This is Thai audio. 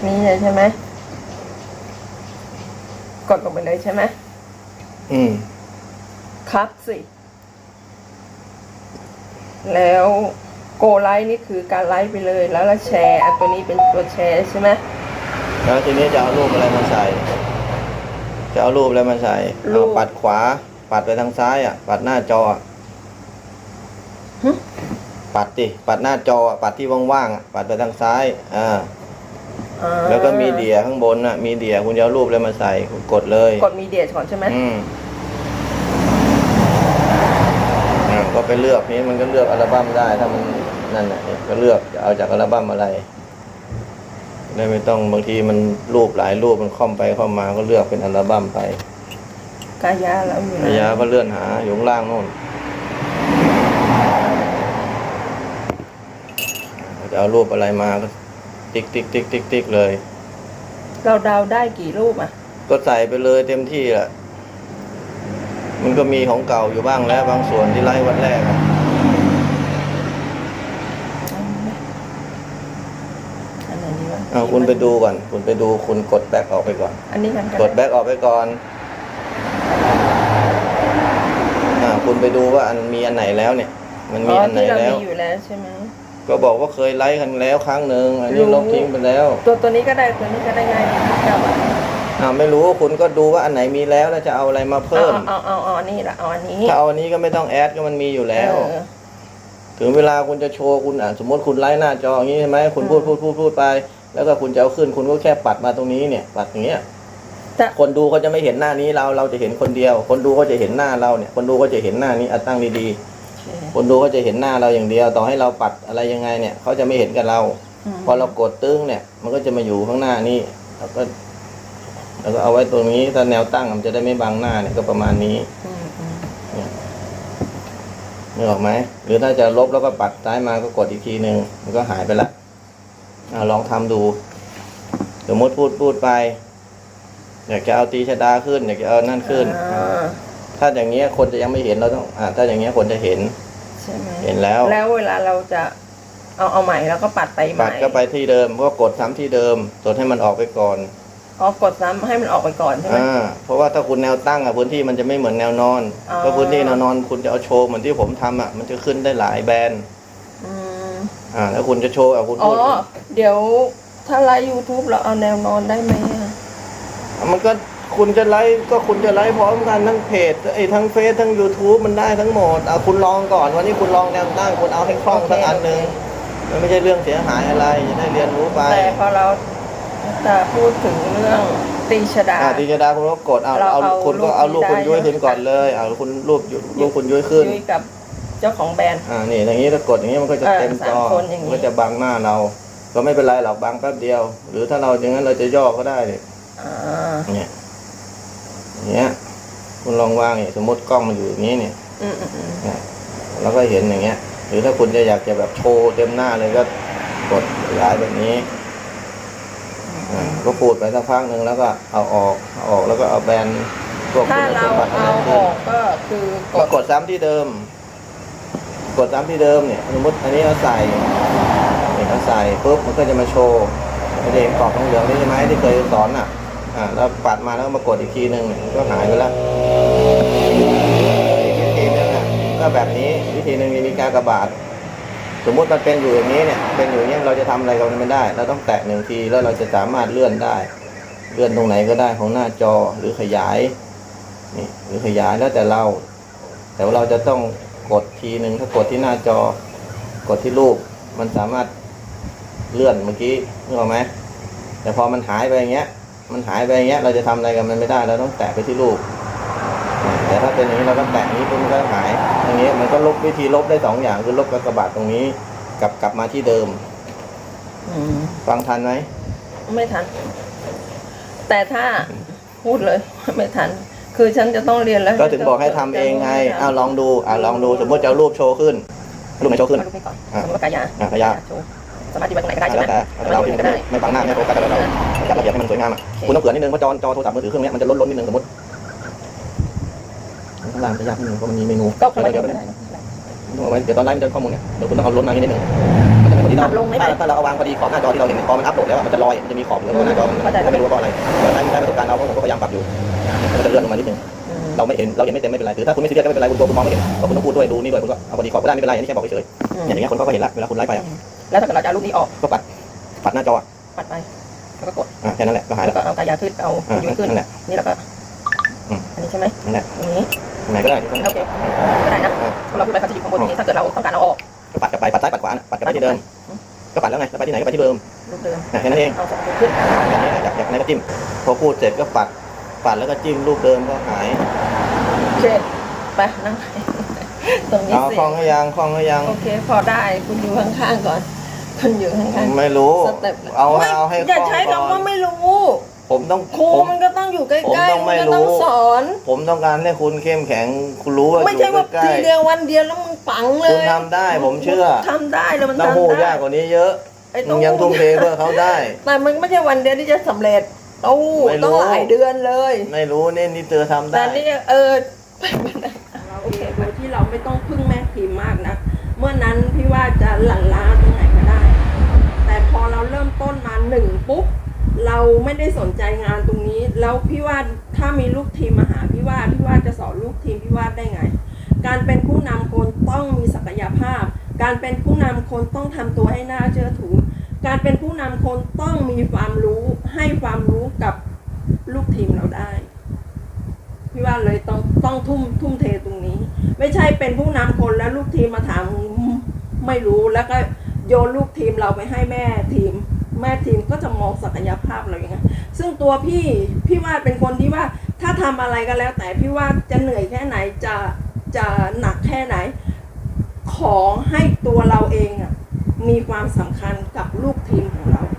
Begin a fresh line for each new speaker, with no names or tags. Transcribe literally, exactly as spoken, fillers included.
นี่เลยใช่ไหมกดลงไปเลยใช่ไหม
อืม
ครับสิแล้วโกไลท์นี่คือการไลท์ไปเลยแล้วเราแชร์อันตัวนี้เป็นตัวแชร์ใช่ไหม
แล้วทีนี้จะเอารูปอะไรมาใส่จะเอารูปอะไรมาใส่เอาปัดขวาปัดไปทางซ้ายอ่ะปัดหน้าจอปัดดิปัดหน้าจอปัดที่ว่างๆอ่ะปัดไปทางซ้ายอ่าแล้วก็มีเดียข้างบนน่ะมีเดียคุณจะเอารูปอะไรมาใส่คุณกดเลย
กดมีเดียก่อนใช่ไหม
อืมอ่าก็ไปเลือกนี้มันก็เลือกอัลบั้มได้ถ้ามันนั่นน่ะก็เลือกจะเอาจากอัลบั้มอะไรได้ไม่ต้องบางทีมันรูปหลายรูปมันค่อมไปค่อมมาก็เลือกเป็นอัลบั้มไป
กายาแล้วอยู่
กายาก็เลื่อนหาอยู่ข้างล่างโน่นจะเอารูปอะไรมาก็ติ๊กติ๊กติ๊กติ๊กติ๊กเลย
เราดาวได้กี่รูปอ่ะ
ก็ใส่ไปเลยเต็มที่แหละมันก็มีของเก่าอยู่บ้างแล้วบางส่วนที่ไล่วันแรกเอาคุณไปดูก่อนคุณไปดูคุณกดแบ็กออกไปก่อน
อันนี้กัน
กดแบ็กออกไปก่อนอ่าคุณไปดูว่าอันมีอันไหนแล้วเนี่ยมันมีอันไหนแล้ว
อยู่แล้วใช่ไหม
ก็บอกว่าเคยไลค์กันแล้วครั้งหนึ่งอันนี้ลบทิ้งไปแล้ว
ตัวตัวนี้ก็ได้ตัวนี้ก็ได้ง่ายดีครับ
อ่าไม่รู้คุณก็ดูว่าอันไหนมีแล้วแล้วจะเอาอะไรมาเพิ่ม
เอาเอาเอาอันนี้ละเอาอันนี้
ถ้าเอาอันนี้ก็ไม่ต้องแอดก็มันมีอยู่แล้วถึงเวลาคุณจะโชว์คุณอ่ะสมมติคุณไลค์หน้าจออย่างนี้ใช่ไหมคุณพูดพูดพูดพูดไปแล้วก็คุณจะเอาขึ้นคุณก็แค่ปัดมาตรงนี้เนี่ยปัดอย่างเงี้ยคนดูเขาจะไม่เห็นหน้านี้เราเราจะเห็นคนเดียวคนดูเขาจะเห็นหน้าเราเนี่ยคนดูก็จะเห็นหน้านี้อ่ะตั้งดีๆคนดูก็จะเห็นหน้าเราอย่างเดียวต่อให้เราปัดอะไรยังไงเนี่ยเขาจะไม่เห็นกับเราพอเรากดตึ้งเนี่ยมันก็จะมาอยู่ข้างหน้านี้แล้วก็แล้วก็เอาไว้ตรงนี้ถ้าแนวตั้งมันจะได้ไม่บังหน้าเนี่ยก็ประมาณนี้นึกออกไหมหรือถ้าจะลบแล้วก็ปัดซ้ายมาก็กดอีกทีหนึ่งมันก็หายไปละลองทำดูสมมติพูดพูดไปอยากจะเอาตีชดาขึ้นอยากจะเอานั่นขึ้นถ้าอย่างเงี้ยคนจะยังไม่เห็นเราต้องอ่าถ้าอย่างเงี้ยคนจะเห็น
ใช่ไหม
เห็นแล้ว
แล้วเวลาเราจะเอาเอาใหม่แล้วก็ปัดไปใหม่
ปัดก็ไปที่เดิมก็กดซ้ำที่เดิมกดให้มันออกไปก่อน
อ๋อกดซ้ำให้มันออกไปก่อนใช่ไหม
อ่าเพราะว่าถ้าคุณแนวตั้งอ่ะพื้นที่มันจะไม่เหมือนแนวนอนเพราะพื้นที่แนวนอนคุณจะเอาโชว์เหมือนที่ผมทำอ่ะมันจะขึ้นได้หลายแบรนด์อ่าแล้วคุณจะโชว์อ่ะคุณพูด
อ๋อเดี๋ยวถ้าไลฟ์ YouTube เราเอาแนวนอนได้ไหม
มันก็คุณจะไลฟ์ก็คุณจะไลฟ์พร้อมกันทั้งเพจไอ้ทั้งเฟซทั้ง YouTube มันได้ทั้งหมดอ่ะคุณลองก่อนวันนี้คุณลองแนวตั้งคุณเอาให้คล่องสักอันหนึ่งมันไม่ใช่เรื่องเสียหายอะไรจะได้เรียนรู้ไป
แต่พอเราจะพูดถึงเรื่องตีชดา
ตีชดาคุณก็กดเอาเอาคุณก็เอารูปคุณยุ้ยขึ้นก่อนเลยเอาคุณรูปรูปคุณยุ้ยขึ้น
ยุ้ยกับเจ้าของแบรนด์
อ่านี่อย่างนี้ถ้ากดอย่างนี้มันก็จะเต็มจอมันก็จะบังหน้าเราก็ไม่เป็นไรหรอกบังแป๊บเดียวหรือถ้าเราอย่างนั้นเราจะย่อก็ได้เลยเนี่ยเนี้ยคุณลองวางเนี่ยสมมติกล้องมันอยู่อย่างนี้เนี่ยแล้วก็เห็นอย่างเงี้ยหรือถ้าคุณจะอยากจะแบบโชว์เต็มหน้าเลยก็กดขยายแบบนี้ก็พูดไปสักพักหนึ่งแล้วก็เอาออกเอาออกแล้วก็เอาแบน
ถ้าเราเอาออกก็คือก
ดกดซ้ำที่เดิมกดซ้ำที่เดิมเนี่ยสมมติอันนี้เราใส่เนี่ยเราใส่ปุ๊บมันก็จะมาโชว์ประเด็นกรอบเหลืองๆนี่ใช่ไหมที่เคยสอนอ่ะอ่าแล้วปัดมาแล้วมากดอีกทีหนึ่งก็หายไปแล้วอีกวิธีนึงอ่ะก็แบบนี้วิธีหนึ่งมีการกระบาดสมมุติมันเป็นอยู่อย่างนี้เนี่ยเป็นอยู่อย่างนี้เราจะทำอะไรกับมันไม่ได้เราต้องแตะหนึ่งทีแล้วเราจะสามารถเลื่อนได้เลื่อนตรงไหนก็ได้ของหน้าจอหรือขยายนี่หรือขยายแล้วแต่เราแต่ว่าเราจะต้องกดทีหนึ่งถ้ากดที่หน้าจอกดที่รูปมันสามารถเลื่อนเมื่อกี้นึกออกไหมแต่พอมันหายไปอย่างเงี้ยมันหายไปอย่างเงี้ยเราจะทำอะไรกับมันไม่ได้เราต้องแตะไปที่รูปแต่ถ้าเป็นอย่างนี้เราก็แตะนี้ปุ๊บมันก็หายอย่างนี้มันก็ลบวิธีลบได้สองอย่างคือลบกระบาดตรงนี้กลับกลับมาที่เดิมฟังทันไหม
ไม่ทันแต่ถ้าพูดเลยไม่ทันคือฉันจะต้องเรียนแล้ว
ก็ถึงบอกให้ทำเองไงเอาลองดูอ่าลองดูสมมติจะเอารูปโชว์ขึ้นรูปไหนโชว์ขึ้น
สมมติว่ากายา
อ่ากายา
สามารถที่ไปตรงไหนก็ได้ใช่ไหม
เราที่ไหนก็ได้ไม่บังหน้าไม่โฟกัสอะไรเราจัดระเบียบให้มันสวยงามอ่ะคุณต้องเผื่อนิดนึงเพราะจอจอโทรศัพท์มือถือเครื่องนี้มันจะล้นล้นนิดนึงสมมติข้างล่างจะยากนิดนึงเพราะมันมีเมนู
ก็ไม่ได้
ต้องเอาไว้เดี๋ยวตอนไลฟ์มันจะข้อมูลเนี่ยเดี๋ยวคุณต้องเอาล้นมานิดนึงมันจะไม่ที่เรา
ตัดลงไม่ได้
ถ้าถ้าเราเอาวางพอดีขอบหน้าจอที่เราเห็นพอมันอัพโหลดแล้วมันจะลอยมันจะมีขอบเหลือหน้าจอเราไม่รู้ว่าเพราะอะไรแต่ใช้ใช้ประสบการณ์เราผมก็พยายามปรับอยู่มันจะเลื่อนลงมานิดนึงเราไม่เห็นเราเห็นไม่เต็มไม่เป็นไรหรือถ้าคุณไม่ซีเรียสก็ไม่เป็นไรคุณตัวคุณมองไม่เห็นก็คุณต้องพูดด้วยดูนี่ด้วยคุณก็เอาพอดีขอบก็ได้ไม่เป็นไรอันนี้แค่บอกเฉยๆอย่างเงี้ยคนก็เห็นละเวลาคุณไลฟ์ไป
แล้วถ้าเกิดเราจะเอารูปนี้ออก
ก็ปัดปัดหน้าจอ
ปัดไปแล้วก็กด
อ่าแค่นั้นแหละก็หาย
แล้
แล้ว ว
ก็เอากายาขึ้นเอายืนขึ้น
นั่นแหละ
นี่แล้วก็
อืม
อันนี้ใช่ไหม
นั่นแหละ
อันนี้
ตรงไหนก็ได้
โอเคก็ได้นะเราพูดไปเขาจะอยู่ข้างบนนี้ถ้าเกิดเราต้องการเอาออก
ก็ปัดกลับไปปัดซ้ายปัดขวาปัดกลับไปที่เดิมก็ปัดแล้วไงแล้วไปที่ไหนก็ไปที่เดิม
รูปเดิม
แค่นั้นเอง
เอาสองตัวขึ้น
อย่างนี้อยากอยากไหนก็จิ้มพอพูดเสร็จก็ปัดปัดแล้วก็จิ้มรูปเดิมก็หาย
โอเคไปนั่งตรงนี้
เอา
สิ
คล้องให้ยังคล้องให้ยัง
โอเคพอได้คุณอยู่ข้างๆก่อนคุณอยู่ข้างๆ
ไม่รู้
สเต็ป
เอา
ไม่
เอาให้
อย่า
คล่อง
ใช้
ก่อน
คำว่าไม่รู้
ผมต้อง
ครู
ผม
มันก็ต้องอยู่ใกล้
ผมต้อง
ๆ
ไม่
มันก็ต้อง
รู้
สอน
ผมต้องการให้คุณเข้มแข็งคุณรู้ว่า
ไม่ใช่ว่า
อยู่ใกล้
ทีเดียววันเดียวแล้วมึงปังเล
คุณ
ย
ทำได้ผมเชื่อ
ทำได้แล้วมัน
ต้อง
ทำ
พูด
ได้
ยากกว่านี้เยอะ
ไอ้
มึงยังทุ่มเทเพื่อเขาได้
แต่มันไม่ใช่วันเดียวที่จะสำเร็จโอ้
ไม่รู้
ต้องหลายเดือนเลย
ไม่รู้นี่นี่เธอทำ
แต่
ได้
นี่เออโอเคโดยที่เราไม่ต้องพึ่งแม่พิมพ์มากนะเมื่อนั้นพี่ว่าจะหลั่นล้าตรงไหนก็ได้ แต่พอเราเริ่มต้นมาหนึ่งปุ๊บเราไม่ได้สนใจงานตรงนี้แล้วพี่ว่าถ้ามีลูกทีมมาหาพี่ว่าพี่ว่าจะสอนลูกทีมพี่ว่าได้ไง การเป็นผู้นำคนต้องมีศักยภาพ การเป็นผู้นำคนต้องทำตัวให้น่าเชื่อถือการเป็นผู้นำคนต้องมีความรู้ให้ความรู้กับลูกทีมเราได้พี่ว่าเลยต้องต้องทุ่มทุ่มเทตรงนี้ ไม่ใช่เป็นผู้นำคนแล้วลูกทีมมาถามไม่รู้แล้วก็โยนลูกทีมเราไปให้แม่ทีมแม่ทีมก็จะมองศักยภาพเราอย่างไงซึ่งตัวพี่พี่ว่าเป็นคนที่ว่าถ้าทำอะไรก็แล้ว แต่พี่ว่าจะเหนื่อยแค่ไหนจะจะหนักแค่ไหนขอให้ตัวเราเองอ่ะมีความสำคัญกับลูกทีมของเรา